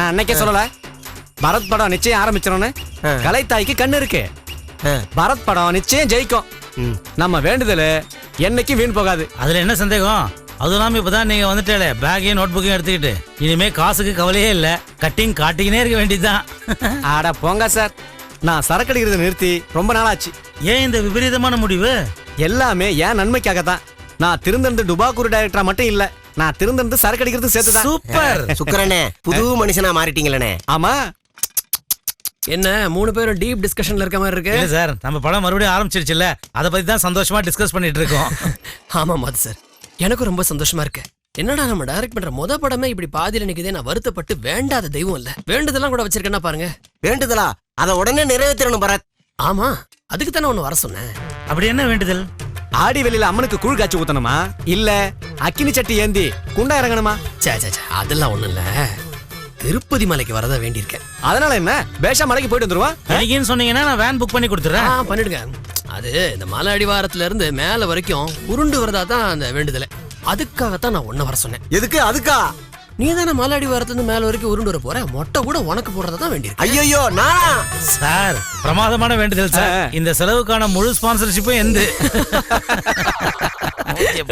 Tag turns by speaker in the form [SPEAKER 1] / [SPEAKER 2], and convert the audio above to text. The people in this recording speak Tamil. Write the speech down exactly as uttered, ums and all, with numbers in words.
[SPEAKER 1] நான் அன்னைக்கே சொல்லல பரத் படம் நிச்சயம் ஆரம்பிச்சிடணும்னு. கலைத்தாய்க்கு கண்ணு இருக்கு. பரத் படம் நிச்சயம் ஜெயிக்கும். நம்ம வேண்டுதல் என்னைக்கு வீண் போகாது.
[SPEAKER 2] அதுல என்ன சந்தேகம்? அதுவும் இல்லாம இப்பதான் நீங்க வந்துட்டே பேக்கையும் நோட் புக்கையும் எடுத்துக்கிட்டு இனிமே காசுக்கு கவலையே இல்ல, கட்டிங் காட்டிக்கினே இருக்க வேண்டியதுதான்.
[SPEAKER 1] ஆடா போங்க சார், நான் சரக்கு அடிக்கிறத நிறுத்தி ரொம்ப நாளாச்சு.
[SPEAKER 2] ஏன் இந்த விபரீதமான முடிவு?
[SPEAKER 1] எல்லாமே ஏன் நன்மைக்காக தான். நான் திருந்திருந்து டுபாக்கூர் டைரக்டரா மட்டும் இல்ல, நான் திருந்திருந்து சரக்கு அடிக்கிறது சேர்த்துதான்.
[SPEAKER 2] சூப்பர்
[SPEAKER 3] சுக்கரனே, புது மனுஷனா மாறிட்டீங்களே.
[SPEAKER 1] ஆமா.
[SPEAKER 4] என்ன மூணு பேரும் டீப் டிஸ்கஷன்ல இருக்க மாதிரி இருக்கு?
[SPEAKER 2] இல்ல சார், நம்ம படம் மறுபடியும் ஆரம்பிச்சிருச்சுல்ல, அதை பத்தி தான் சந்தோஷமா டிஸ்கஸ் பண்ணிட்டு இருக்கோம்.
[SPEAKER 4] ஆமா மாது சார், எனக்கும் ரொம்ப சந்தோஷமா இருக்கு. என்னடா நம்ம டைரக்ட் பண்ற முத படமே இப்படி பாதியில நிக்குதே. நான் வருத்தப்பட்டு வேண்டாத தெய்வம் இல்ல, வேண்டுதெல்லாம் கூட வச்சிருக்கேன்னா பாருங்க.
[SPEAKER 3] வேண்டுதலா? அதை உடனே நிறைவேற்றணும் பரத்.
[SPEAKER 4] ஆமா, அதுக்கு தானே ஒண்ணு வர சொன்னேன்.
[SPEAKER 2] அப்படி என்ன வேண்டுதல்?
[SPEAKER 1] ஆடி வெளியில அம்மனுக்கு கூழ் காய்ச்சி ஊத்தணுமா, இல்ல அக்கினி சட்டி ஏந்தி குண்டா இறங்கணுமா?
[SPEAKER 4] சே சே சே, அதெல்லாம் ஒண்ணு இல்ல, திருப்பதி மலைக்கு வரதா வேண்டியிருக்கேன்.
[SPEAKER 1] அதனால என்ன, பேஷா மலைக்கு போயிட்டு வந்துருவான்.
[SPEAKER 2] இன்னைக்குன்னு சொன்னீங்கன்னா நான் வேன் புக் பண்ணி கொடுத்துறேன்.
[SPEAKER 4] ஆ பண்ணிடுங்க. அது இந்த மலை அடிவாரத்துல இருந்து மேல வரைக்கும் உருண்டு வரதா தான் அந்த வேண்டுதலை. அதுக்காகத்தான் நான் ஒன்ன வர சொன்னேன்.
[SPEAKER 3] எதுக்கு? அதுக்கா?
[SPEAKER 4] நீ தானே மலை அடிவாரத்துல இருந்து மேல வரைக்கும் உருண்டு வர போற, மொட்டை கூட உனக்கு போடுறதா தான் வேண்டியிருக்கு.
[SPEAKER 3] ஐயோ நானா?
[SPEAKER 2] சார் பிரமாதமான வேண்டுதல் சார். இந்த செலவுக்கான முழு ஸ்பான்சர்ஷிப்பும் எந்த